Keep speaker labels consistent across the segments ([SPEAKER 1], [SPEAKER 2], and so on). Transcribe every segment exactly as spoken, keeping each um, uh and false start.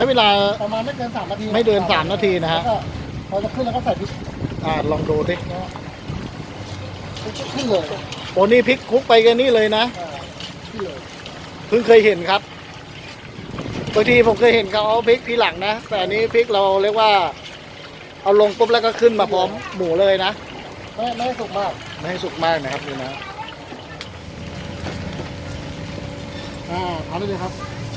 [SPEAKER 1] ช้เวลา
[SPEAKER 2] ประมาณไม่เกินสามนาที
[SPEAKER 1] ไม่เกินสามนาทีนะฮะ
[SPEAKER 2] พอจะขึ้นแล้วก็ใส่พริก
[SPEAKER 1] อ่าลองดูดิ
[SPEAKER 2] ขึ้นเลย
[SPEAKER 1] โอ้นี่พริกคลุกไปกันนี่เลยนะ
[SPEAKER 2] ขึ้นเลย
[SPEAKER 1] เพิ่งเคยเห็นครับบางทีผมเคยเห็นเขาเอาพริกทีหลังนะแต่อันนี้พริกเราเรียกว่าเอาลงปุ๊บแล้วก็ขึ้นมาพร้อมหมูเลยนะ
[SPEAKER 2] ไม่ไม่ให้สุกมาก
[SPEAKER 1] ไม่ให้สุกมากนะครับนี่นะ
[SPEAKER 2] อ่าทำได้เลยครับ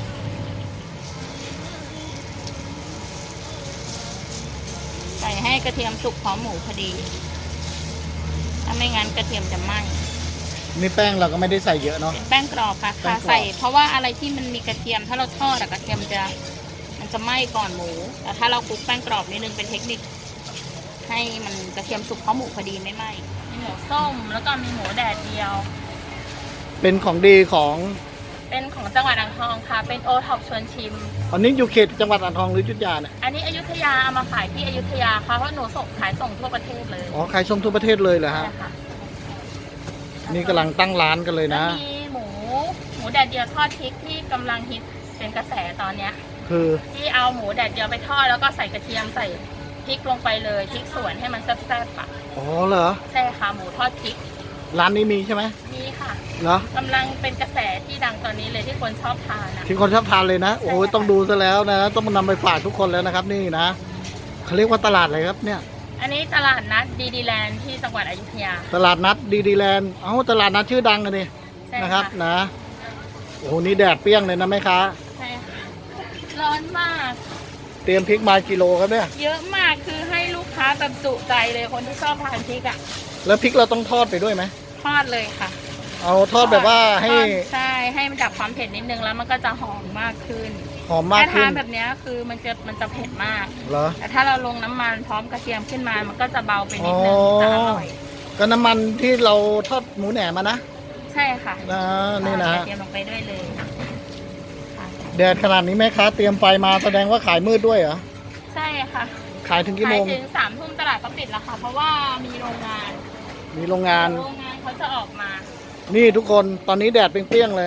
[SPEAKER 3] ใส่ให้กระเทียมสุกพร้อมหมูพอดีถ้าไม่งั้นกระเทียมจะไหม้
[SPEAKER 1] นี่แป้งเราก็ไม่ได้ใส่เยอะเนาะ
[SPEAKER 3] เป็นแป้งกรอบค่ะค่ะใส่เพราะว่าอะไรที่มันมีกระเทียมถ้าเราทอดกระเทียมจะมันจะไหม้ก่อนหมูแต่ถ้าเราคลุกแป้งกรอบนิดนึงเป็นเทคนิคให้มันกระเทียมสุกพร้อมหมูพอดีไม่ไหม้มีหมูส้มแล้วก็มีหมูแดดเดียว
[SPEAKER 1] เป็นของดีของ
[SPEAKER 3] เป็นของจังหวัดอ่างทองค่ะเป็นโอท็อปชวนชิม
[SPEAKER 1] อันนี้อยู่เขตจังหวัดอ่างทองหรืออยุธยาเนี่ย
[SPEAKER 3] อันนี้อยุธยาเอามาขายที่อยุธยาค่ะเพราะหนูส่งขายส่งทั่วประเทศเลย
[SPEAKER 1] อ๋อขายส่งทั่วประเทศเลยเหรอฮะนี่กำลังตั้งร้านกันเลยนะ
[SPEAKER 3] มีหมูหมูแดดเดียวทอดพริกที่กำลังฮิตเป็นกระแสตอนเนี้ย
[SPEAKER 1] คือ
[SPEAKER 3] ที่เอาหมูแดดเดียวไปทอดแล้วก็ใส่กระเทียมใส่พริกลงไปเลยพริกสวนให้มันแซ่บๆค่ะ
[SPEAKER 1] อ๋อเหรอ
[SPEAKER 3] ใช่ค่ะหมูทอดพริก
[SPEAKER 1] ร้านนี้มีใช่ไหม
[SPEAKER 3] มีค่ะ
[SPEAKER 1] เหรอก
[SPEAKER 3] ำลังเป็นกระแสที่ดังตอนนี้เลยที่คนชอบทานนะ
[SPEAKER 1] ที่คนชอบทานเลยนะโอ้ยต้องดูซะแล้วนะต้องนำไปฝากทุกคนแล้วนะครับนี่นะเขาเรียกว่าตลาดอะไรครับเนี่ย
[SPEAKER 3] อันนี้ตลาดนัดดีดีแลนด์ที่จังหวัดอยุธยา
[SPEAKER 1] ตลาดนัดดีดีแลนด์เอ้าตลาดนัดชื่อดังกันนี่นะครับนะโอ้โหนี่แดดเปรี้ยงเลยนะแม่ค้า
[SPEAKER 3] ใช่ค่ะร้อนมาก
[SPEAKER 1] เตรียมพริกมากิโลครับเนี่ย
[SPEAKER 3] เยอะมากคือให้ลูกค้าแบบจุใจเลยคนที่ชอบทานพริกอ่ะ
[SPEAKER 1] แล้วพริกเราต้องทอดไปด้วยไหม
[SPEAKER 3] ทอดเลยค่ะ
[SPEAKER 1] เอาทอดแบบว่าให้
[SPEAKER 3] ใช่ให้มันดับความเผ็ดนิดนึงแล้วมันก็จะหอมมากขึ้น
[SPEAKER 1] หอมมากขึ้น
[SPEAKER 3] ถ้าทานแบบนี้คือมันจะมันจะเผ็ดมาก
[SPEAKER 1] เหรอ
[SPEAKER 3] แต่ถ้าเราลงน้ำมันพร้อมกระเทียมขึ้นมามันก็จะเบาไปนิดนึงจะอร่อย
[SPEAKER 1] ก็น้ำมันที่เราทอดหมูแหนมมานะ
[SPEAKER 3] ใช่ค่ะ
[SPEAKER 1] นะนี่นะ
[SPEAKER 3] กระเทียมลงไปด้วยเลย
[SPEAKER 1] แดดขนาดนี้แม่ค้าเตรียมไฟมาแสดงว่าขายมืดด้วยเหรอ
[SPEAKER 3] ใช่ค่ะ
[SPEAKER 1] ขายถึงกี่โมง
[SPEAKER 3] ขายถึงสามทุ่มตลาดก็ปิดแล้วค่ะเพราะว่ามีโรงงาน
[SPEAKER 1] มีโรงงาน
[SPEAKER 3] โรงงานเขาจะออกมา
[SPEAKER 1] นี่ทุกคนตอนนี้แดดเปรี้ยงๆเลย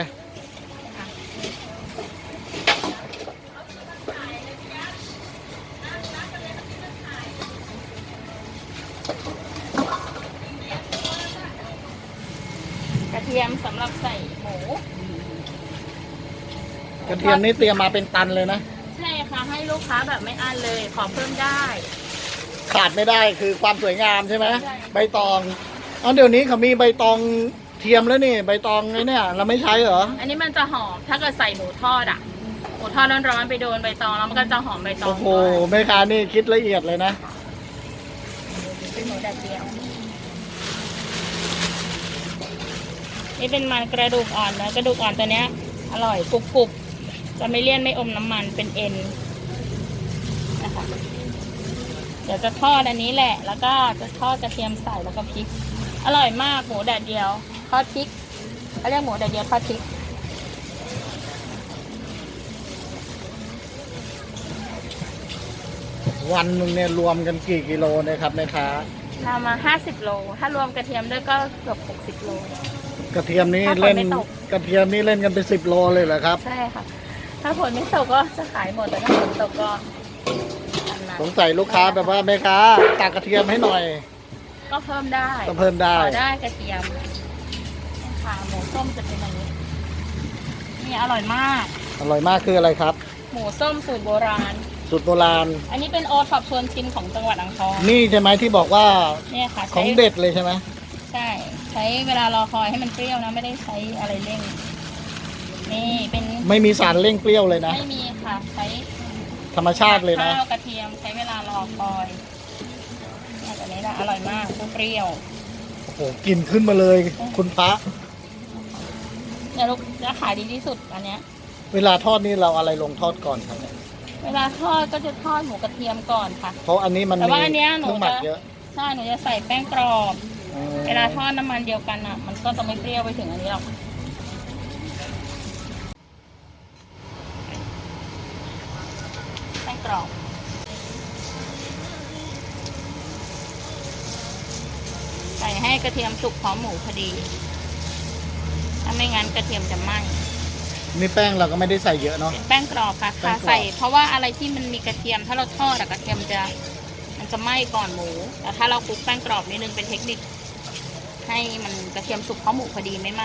[SPEAKER 3] กระเทียมสำหรับใส่หมู
[SPEAKER 1] กระเทียมนี่เตรียมมาเป็นตันเลยนะ
[SPEAKER 3] ใช่ค่ะให้ลูกค้าแบบไม่อั้นเลยขอเพิ่มได้
[SPEAKER 1] ขาดไม่ได้คือความสวยงามใช่ไหมใบตองอ๋อเดี๋ยวนี้เขามีใบตองเทียมแล้วนี่ใบตองไอ้เนี่ยเราไม่ใช้เหรอ
[SPEAKER 3] อันนี้มันจะหอมถ้าเกิดใส่หมูทอดอ่ะหมูทอดร้อนๆไปโดนใบตองแล้วมันก็จะหอมใบตอง
[SPEAKER 1] โอ้โหแม่ค้านี่คิดละเอียดเลยนะ
[SPEAKER 3] เป็นหมูแดดเดียวนี่เป็นมันกระดูกอ่อนนะกระดูกอ่อนตัวเนี้ยอร่อยกรุบๆจะไม่เลี่ยนไม่อมน้ำมันเป็นเอ็นนะคะเดี๋ยวจะทอดอันนี้แหละแล้วก็จะทอดกระเทียมใส่แล้วก็พริกอร่อยมากหมูแดดเดียวทอดพริกเขาเรียกหมูแดดเดียวทอดพริก
[SPEAKER 1] วันหนึ่งเนี่ยรวมกันกี่กิโลนะครับแม่ค้า
[SPEAKER 3] ทำมาห้าสิบโลถ้ารวมกระเทียมด้วยก็เกือบหกสิบโล
[SPEAKER 1] กระเทียมนี้เล่นกระเทียมนี้เล่นกันเป็นสิบโลเลยเหรอครับ
[SPEAKER 3] ใช่ค่ะถ้าฝนไม่ตกก็จะขายหมดแต่ถ้าฝนตกก็
[SPEAKER 1] สงสัยลูกค้าแบบว่าแม่ค้าตักกระเทียมให้หน่อย
[SPEAKER 3] ก็เพิ่มได้
[SPEAKER 1] ก็เพิ่มได้
[SPEAKER 3] ได้กระเทียมค่ะหมูส้มจะเป็นอย่างนี้นี่อร่อยมาก
[SPEAKER 1] อร่อยมากคืออะไรครับ
[SPEAKER 3] หมูส้มสูตรโบราณ
[SPEAKER 1] สูตรโบราณ
[SPEAKER 3] อันนี้เป็นโอท็อปชวนชิมของจังหวัดอ่างทอง
[SPEAKER 1] นี่ใช่ไหมที่บอกว่า
[SPEAKER 3] เนี่ยค่ะ
[SPEAKER 1] ของเด็ดเลยใช่ไหม
[SPEAKER 3] ใช่ใช้เวลารอคอยให้มันเปรี้ยวนะไม่ได้ใช้อะไรเร่งนี่เป็น
[SPEAKER 1] ไม่มีสารเร่งเปรี้ยวเลยนะ
[SPEAKER 3] ไม่มีค่ะใช้
[SPEAKER 1] ธรรมชาติเลยนะ
[SPEAKER 3] ข้าวกระเทียมใช้เวลารอคอยอันนี้นะอร่อยมากเปรี้ยว
[SPEAKER 1] โอ้โหกลิ่นขึ้นมาเลยคุณพระ
[SPEAKER 3] เนี่ยลูกจะขายดีที่สุดอันเนี้ย
[SPEAKER 1] เวลาทอดนี่เราอะไรลงทอดก่อนครับ
[SPEAKER 3] เวลาทอดก็จะทอดหมูกระเทียมก่อนค่ะ
[SPEAKER 1] เพราะอันนี้มัน
[SPEAKER 3] แต่ว่าอันเนี้ยหนู
[SPEAKER 1] จะ
[SPEAKER 3] ใช่หนูจะใส่แป้งกรอบเวลาทอดน้ำมันเดียวกันอ่ะมันก็จะไม่เปรี้ยวไปถึงอันนี้หรอกแป้งกรอบใส่ให้กระเทียมสุกพร้อมหมูพอดีถ้าไม่งั้นกระเทียมจะไหม้
[SPEAKER 1] นี่แป้งเราก็ไม่ได้ใส่เยอะเนาะ
[SPEAKER 3] เป็นแป้งกรอบค่ะ
[SPEAKER 1] แป้
[SPEAKER 3] ค่ะ
[SPEAKER 1] งกรอบ
[SPEAKER 3] ใส่เพราะว่าอะไรที่มันมีกระเทียมถ้าเราทอดอะกระเทียมจะมันจะไหม้ก่อนหมูแต่ถ้าเราคลุกแป้งกรอบนิดนึงเป็นเทคนิค ให้มันกระเทียมสุกเข้าหมูพอดีไม่ไหม้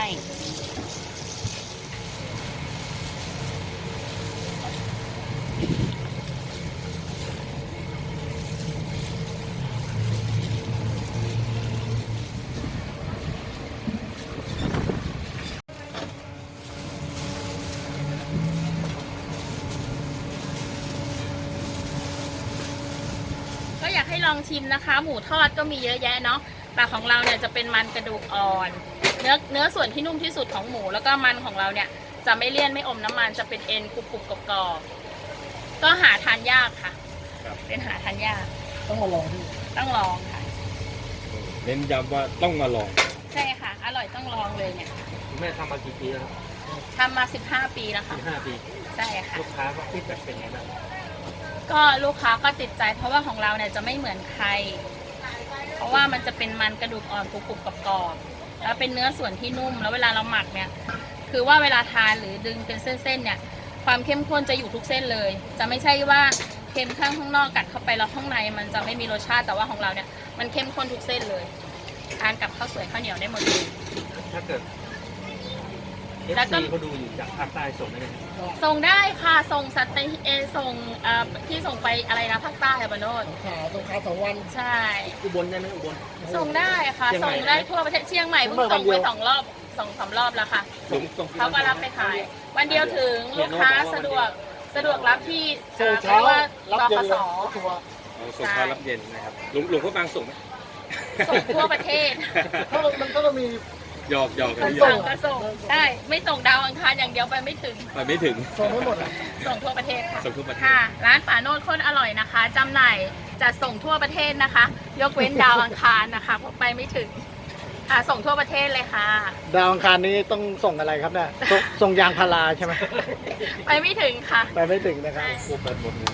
[SPEAKER 3] ก็อยากให้ลองชิมนะคะ หมูทอดก็มีเยอะแยะเนาะแต่ของเราเนี่ยจะเป็นมันกระดูกอ่อน เนื้อเนื้อส่วนที่นุ่มที่สุดของหมูแล้วก็มันของเราเนี่ยจะไม่เลี่ยนไม่อมน้ำมันจะเป็นเอ็นกรุบกรุบกรอบๆก็หาทานยากค่ะ
[SPEAKER 4] ครับ
[SPEAKER 3] เป็นหาทานยาก
[SPEAKER 2] ต้องมาลองที่
[SPEAKER 3] ต้องลองค่ะ
[SPEAKER 4] เน้นย้ำว่าต้องมาลอง
[SPEAKER 3] ใช่ค่ะ อร่อยต้องลองเลยเนี่ย
[SPEAKER 4] คุณแม่ทำมากี่ปีแล้ว
[SPEAKER 3] ทำมาสิบห้าปีแล้วค่ะ
[SPEAKER 4] สิบห้าปี
[SPEAKER 3] ใช่ค่ะ
[SPEAKER 4] ลูกค้าก็ฟีดแบ็กเป็นไงบ้าง
[SPEAKER 3] ก็ลูกค้าก็ติดใจเพราะว่าของเราเนี่ยจะไม่เหมือนใคร เพราะว่ามันจะเป็นมันกระดูกอ่อนกรุบๆกรอบๆแล้วเป็นเนื้อส่วนที่นุ่มแล้วเวลาเราหมักเนี่ยคือว่าเวลาทานหรือดึงเป็นเส้นๆเนี่ยความเข้มข้นจะอยู่ทุกเส้นเลย จะไม่ใช่ว่าเค็มข้างข้างนอกกัดเข้าไปแล้วข้างในมันจะไม่มีรสชาติแต่ว่าของเราเนี่ยมันเข้มข้นทุกเส้นเลยทานกับข้าวสวยข้าวเหนียวได้หมดเลย
[SPEAKER 4] ถ้าเกิดเอฟ
[SPEAKER 3] แล้วก็
[SPEAKER 4] ซีเขาดูอยู่จากภาคใต้ส่งได้ไหม
[SPEAKER 3] ส่งได้ค่ะส่งสัตว์เออส่งเอ่อที่ส่งไปอะไรนะภาคใต้ค่ะบานโนด
[SPEAKER 2] สงขลาสงขลาสองวัน
[SPEAKER 3] ใช่
[SPEAKER 4] อุบลได้ไหมอุบล
[SPEAKER 3] ส่งได้ค่ะ
[SPEAKER 4] เชียงใหม่
[SPEAKER 3] ส่งได้ทั่วประเทศเชียงใหม่เพิ่งส่งไปสองรอบสองสามรอบแล้วค่ะ
[SPEAKER 4] ส่งส่ง
[SPEAKER 3] เขาก็รับไปขาย วันเดียวถึงลูกค้าสะดวกสะดวกรับที่
[SPEAKER 2] ส่ง
[SPEAKER 3] เอ่
[SPEAKER 2] เช้า
[SPEAKER 3] อเรียกว่า
[SPEAKER 2] รับ
[SPEAKER 3] ร
[SPEAKER 2] เย็
[SPEAKER 3] พ
[SPEAKER 2] น
[SPEAKER 3] ส
[SPEAKER 2] เลยรถทัวร์
[SPEAKER 4] เอาส่งเช้ารับเย็นนะครับหลวงหลวงพ่อบางส่งไหม
[SPEAKER 3] ส่งทั่วประเทศ
[SPEAKER 2] ถ้ามันมันก็จะมี
[SPEAKER 4] หยอกหยอก
[SPEAKER 3] ก็
[SPEAKER 4] กันหย
[SPEAKER 3] ส่
[SPEAKER 4] อง ก
[SPEAKER 3] ก็ส่งใช่ไม่ส่งดาวอังคารอย่างเดียวไปไม่ถึง
[SPEAKER 4] ไปไม่ถึง
[SPEAKER 2] ส่งไม่หมดอ่ะ
[SPEAKER 3] ส่งทั่วประเทศค่ะ
[SPEAKER 4] ส่งทั่วประเทศ
[SPEAKER 3] ค่ะ ร้านป่าโนดโคตรอร่อยนะคะจำหน่ายจะส่งทั่วประเทศนะคะ ยกเว้นดาวอังคารนะคะเพราะไปไม่ถึงค่ะส่งทั่วประเทศเลยค่ะ
[SPEAKER 1] ดาวอังคารนี้ต้องส่งอะไรครับเนี่ยส่งส่งยางพาราใช่ไหม
[SPEAKER 3] ไปไม่ถึงค่ะ
[SPEAKER 1] ไปไม่ถึงนะครับ
[SPEAKER 4] พวกแบบหมดเลย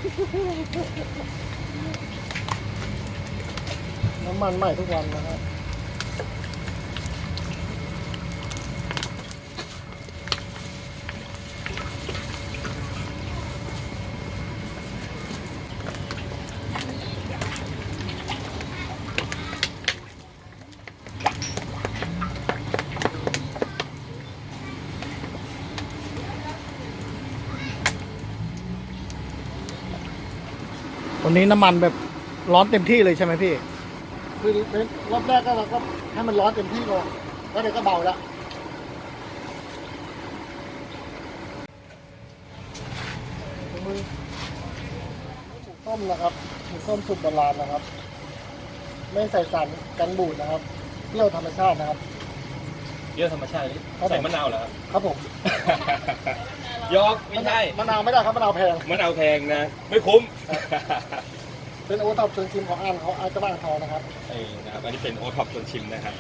[SPEAKER 2] น้ำมันใหม่ทุกวันนะครับ
[SPEAKER 1] วันนี้น้ำมันแบบร้อนเต็มที่เลยใช่ไหมพี่
[SPEAKER 2] คือเป็นรอบแรกก็เราก็ให้มันร้อนเต็มที่ก่อนแล้วเดี๋ยวก็เบาแล้วมือหมูต้มนะครับหมูต้มสุกโบราณนะครับ ไม่ใส่สารกันบูดนะครับเปรี้ยวธรรมชาตินะครับ
[SPEAKER 4] เยอะธรรมชาตินี่
[SPEAKER 2] ครับผม
[SPEAKER 4] ใส่มะนาวเหรอครับ
[SPEAKER 2] ครับผม
[SPEAKER 4] ยอกไม่ใช่
[SPEAKER 2] มะนาวไม่ได้ครับมะนาวแพง
[SPEAKER 4] มะนาวแพงนะ ไม่คุ้ม
[SPEAKER 2] เป็นโอท็อปเชิงชิมของอ่านเขาอาจจะบ้านทองนะครับ
[SPEAKER 4] เอ้นะครับอันนี้เป็นโอท็อปชวนชิมนะครับ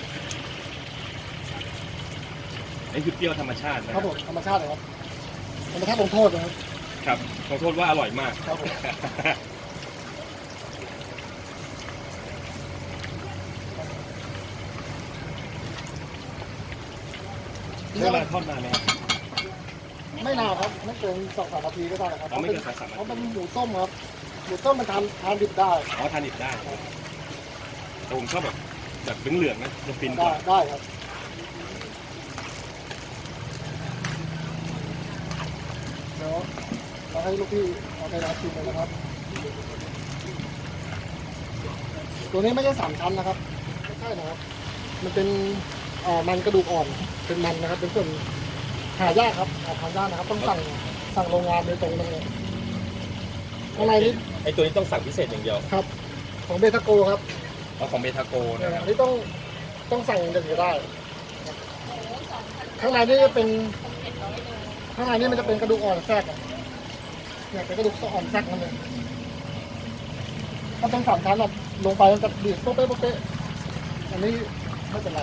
[SPEAKER 4] นี่คือเปรี้ยวธรรมชาตินะ
[SPEAKER 2] ค
[SPEAKER 4] ค
[SPEAKER 2] รั
[SPEAKER 4] รั
[SPEAKER 2] บบ ผมธรรมชาติเลยครับธรรมชาติลงโทษนะครับ
[SPEAKER 4] ครับขอโทษว่าอร่อยมาก
[SPEAKER 2] ครับผม
[SPEAKER 4] เวลาทอดนานไหมครับ
[SPEAKER 2] ไม่นานครับไม่เกินสองสามนาทีก็ได้ครับ
[SPEAKER 4] อ๋อไม่เกินสองสามนาที
[SPEAKER 2] เพราะเป็นหมูต้มครับหมูต้มมันทานทานดิบได้
[SPEAKER 4] อ๋อทานดิบได้แต่ผมชอบแบบแบบเหลืองๆนะจะฟินก
[SPEAKER 2] ได้
[SPEAKER 4] ว่า
[SPEAKER 2] ได้ครับเดี๋ยวเราให้ลูกพี่เอาไปรับชิมเลยนะครับ ตัวนี้ไม่ใช่สามชั้นนะครับไม่ใช่นะครับ มันเป็นเอ่อมันกระดูกอ่อนเป็นมันนะครับ เป็นส่วนหายากครับหาทานยากนะครับ ต้องสั่งสั่งโรงงานโดยตรงเลยข้างในนี้
[SPEAKER 4] ไอตัวนี้ต้องสั่งพิเศษอย่างเดียว
[SPEAKER 2] ครับ ของเบทาโกครับ
[SPEAKER 4] เอาของเบทาโก
[SPEAKER 2] เนี่ย
[SPEAKER 4] นะครับ
[SPEAKER 2] อันนี้ต้องต้องสั่งอย่างเดียวได้ ข้างในนี่จะเป็นข้างในนี่มันจะเป็นกระดูกอ่อนแทรกอะเนี่ยเป็นกระดูกอ่อนแทรกนั่นเองถ้าเป็นสามชั้นอะลงไปมันจะดีดโป๊ะเป๊ะโป๊ะเป๊ะอันนี้ไม่เป็นไร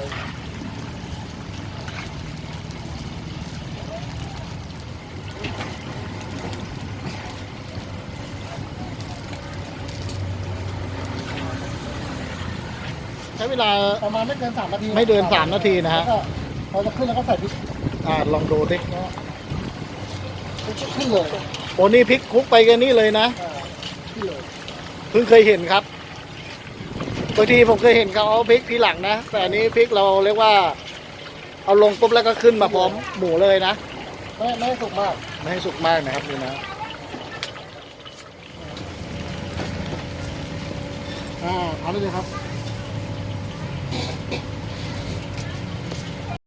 [SPEAKER 1] ใช้เวลา
[SPEAKER 2] ประมาณไม่เกินสามนาที
[SPEAKER 1] ไม่เกินสามนาทีนะฮะ
[SPEAKER 2] แล้วก็พอจะขึ้นแล้วก็ใส่พริก
[SPEAKER 1] อ่าลองดูดิ
[SPEAKER 2] ขึ้นเลย
[SPEAKER 1] โอ้นี่พริกคลุกไปกันนี่เลยนะ
[SPEAKER 2] อ่าขึ้นเลย
[SPEAKER 1] เพิ่งเคยเห็นครับบางทีผมเคยเห็นเขาเอาพริกทีหลังนะแต่อันนี้พริกเราเรียกว่า เอาลงปุ๊บแล้วก็ขึ้นมาพร้อมหมูเลยนะ
[SPEAKER 2] ไม่ไม่ให้สุกมาก
[SPEAKER 1] ไม่ให้สุกมากนะครับนี่นะ
[SPEAKER 2] อ่าทำได้เลยครับ